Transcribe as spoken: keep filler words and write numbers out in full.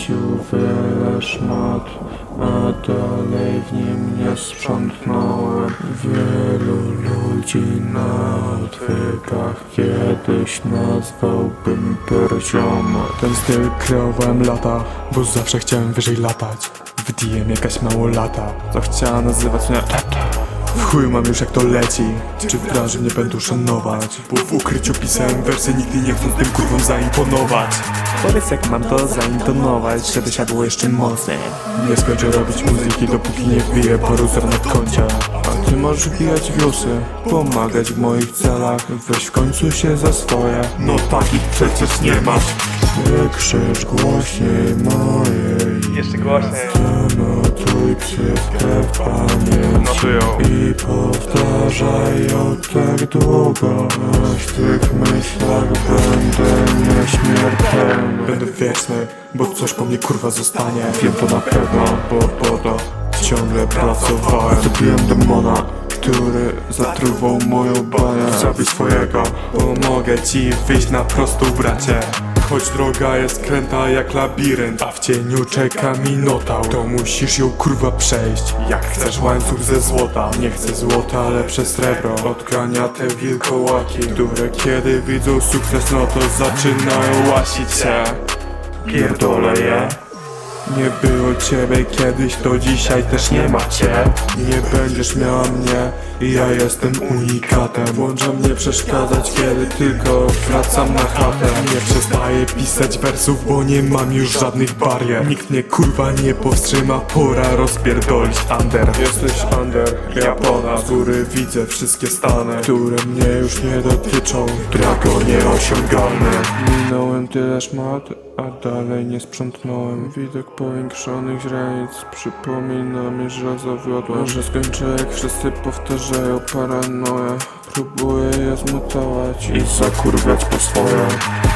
Rzucił wiele szmat, a dalej w nim nie sprzątnąłem. Wielu ludzi na odwykach kiedyś nazwałbym perzioma. Ten styl kreowałem lata, bo zawsze chciałem wyżej latać. W D M jakaś małolata, co chciała nazywać mnie tata. W chuju mam już jak to leci, czy w branży mnie będą szanować, bo w ukryciu pisałem wersy, nigdy nie chcąc tym kurwom zaimponować. Powiedz jak mam to zaintonować, żeby siadło jeszcze mocniej. Nie skończę robić muzyki, dopóki nie wbiję paru zer na koncie. A ty możesz wbijać wiosy, pomagać w moich celach. Weź w końcu się za swoje, No takich przecież nie masz. ty krzycz głośniej mojej. Jeszcze głośniej. Zanotuj ksywkę w pamięci Notują. i powtarzaj ją tak długo, aż w tych myślach będę nieśmiertelny. Będę wieczny, bo coś po mnie kurwa zostanie. Wiem to na pewno, Bo po to ciągle pracowałem. zabiłem demona, który zatruwał moją banię. Zabij swojego, pomogę ci wyjść na prostą, bracie. Choć droga jest kręta jak labirynt, a w cieniu czeka minotaur, to musisz ją kurwa przejść. Jak chcesz łańcuch ze złota, nie chcę złota, lepsze srebro. Od grania te wilkołaki, które kiedy widzą sukces, no to zaczynają łasić się. Pierdolę je. Nie było ciebie kiedyś, to dzisiaj też nie ma cię. Nie będziesz miała mnie, ja jestem unikatem. Włączam nie przeszkadzać, kiedy tylko wracam na chatę. Nie przestaję pisać wersów, bo nie mam już żadnych barier. Nikt mnie kurwa nie powstrzyma, pora rozpierdolić under. Jesteś under, ja ponad, który widzę wszystkie stany, które mnie już nie dotyczą. Drago nieosiągalny. Minąłem tyle szmat, a dalej nie sprzątnąłem. Widok powiększonych źrenic przypomina mi, że zawiodłem. Może skończę jak wszyscy powtarzają paranoję. Próbuję je zmutować i zakurwiać po swoje.